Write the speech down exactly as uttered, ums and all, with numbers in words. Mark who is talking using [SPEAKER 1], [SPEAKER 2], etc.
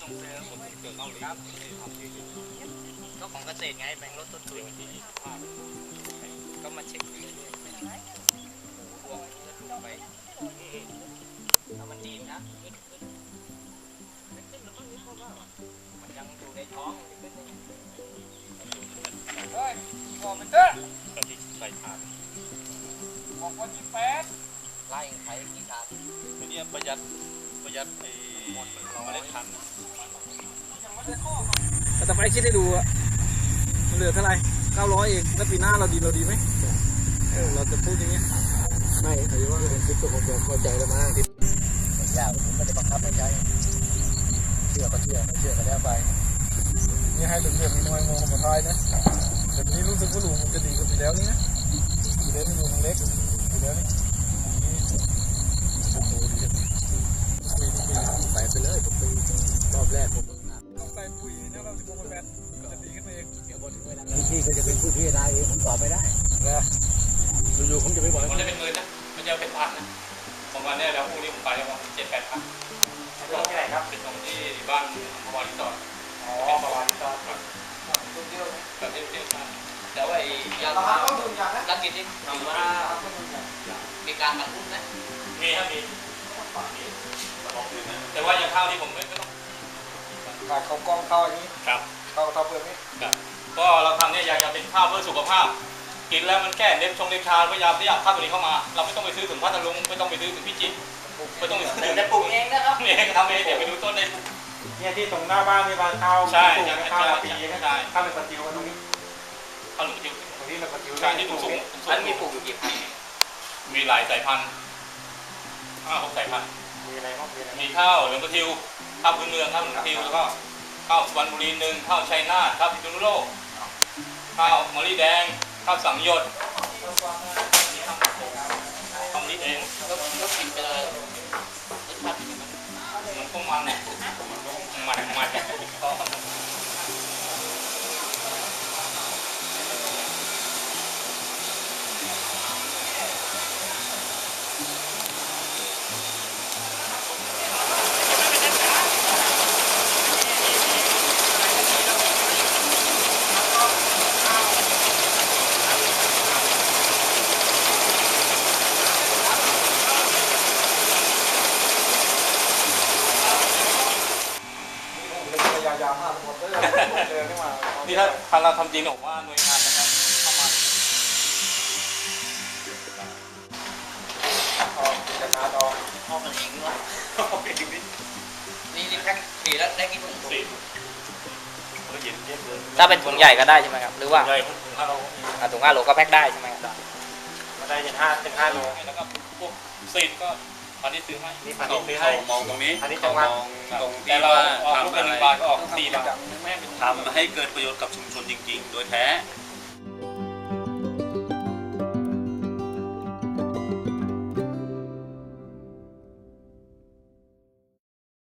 [SPEAKER 1] ส่งเสริมผมเกิดเกาหลีครับก็ของเกษตรไงแบ่งลดต้นทุนก็มาเช็คดูเรื่อยๆพวกจะถูกไปถ้ามันดีนะมันยังอยู่ในท้องเฮ้ยบอกมันเถอะตอนที่ใส่ถาดบอกวันที่แปดไล่ใช้กี่ถาดอันนี้ประหยัดประหยัดไอ้เมล็ดพันธุ์แต่ไปคิดได้ดูอะเหลือเท่าไหร่เก้าร้อยเองแล้วปีหน้าเราดีเราดีไหมเออเราจะพูดอย่างเงี้ยไม่ถือว่าเป็นคิดตัวของผมเข้าใจแล้วมั้งที่ยากผมไม่ได้บังคับให้ใช้เชื่อก็เชื่อไม่เชื่อก็แล้วไปนี่ให้เหลืองๆน้อยๆมองมาทายนะแต่นี้รู้สึกว่าหลุมมันจะดีกว่าปีแล้วนี่นะปีแล้วนี่หลุมเล็กปีแล้วนี่ใส่ไปเลยทุกปีรอบแรกผมต้องใส่ปุ๋ยเนี่ยเราจะมองแบบจะดีขึ้นเองเดี๋ยวพอถึงเวลาพี่ก็จะเป็นผู้พิจารณาเองผมตอบไม่ได้นะอยู่ๆผมจะไม่บอกมันจะเป็นหมื่นนะมันจะเป็นพันนะผมวันนี้แล้วพรุ่งนี้ผมไปแล้วว่าเจ็ดแปดพันตรงที่ไหนครับเป็นตรงที่บ้านมาวารีสอร์ทอ๋อมาวารีสอร์ทครับตุ้งเดียวแบบเดียวเดียวกันแต่ว่าไอ้ยางรักกินที่ทำว่ามีการบรรทุกนะมีครับมีแต่ว่าอย่างข้าวที่ผมไม่ต้องขาดเขากล้องข้าวอันนี้ครับข้าวข้าวเปลือกนี่ครับก็เราทำเนี่ยอยากจะเป็นข้าวเพื่อสุขภาพกินแล้วมันแค่เล็บชงเล็บชาพยายามที่อยากข้าวตัวนี้เข้ามาเราไม่ต้องไปซื้อถึงพัทลุงไม่ต้องไปซื้อถึงพิจิตรไม่ต้องไปซื้อแต่ปลูกเองนะครับเองทำเองเดี๋ยวไปดูต้นได้เนี่ยที่ตรงหน้าบ้านมีบ้านข้าวใช่ข้าวปีใช่ข้าวเป็นปลาจิ๋วตรงนี้ข้าวหลุมปลาจิ๋วตรงนี้เป็นปลาจิ๋วใช่ที่สูงสูงอันมีปลูกอยู่กี่พันมีหลายสายพันธุ์ห้าหกสายพันธุ์มีอะไรบ้างมีข้าวเหลืองกระทิวข้าวพื้นเมืองข้าวเหลืองกระทิวแล้วก็ข้าวสุพรรณบุรีหนึ่งข้าวชัยนาทข้าวพิษณุโลกข้าวมะลิแดงข้าวสังยศทำนิดเองแล้วแล้วกินไปเลยรสชาติมันก็มันมันมันยาวมากหมดเลยเจอไม่มานี่ถ้าทางเราทำจริงผมว่าหน่วยงานนะครับเข้ามาเอาจะชาดองเอากันเองด้วยเอาเองนี่นี่นี่แพ็คสี่แล้วได้กี่ถุงสี่ก็เย็นเย็นเลยถ้าเป็นถุงใหญ่ก็ได้ใช่ไหมครับหรือว่าใหญ่ถุงห้าโลถุงห้าโลก็แพ็คได้ใช่ไหมครับก็ได้ถึงห้าถึงห้าโลแล้วก็พวกซีนก็พันที่ซื้อให้นี่พันที่ซื้อให้มองตรงนี้พันที่จังหวัดตรงที่ว่าทำอะไรก็ออกสี่บาททำให้เกิดประโยชน์กับชุมชนจริงๆโดยแท้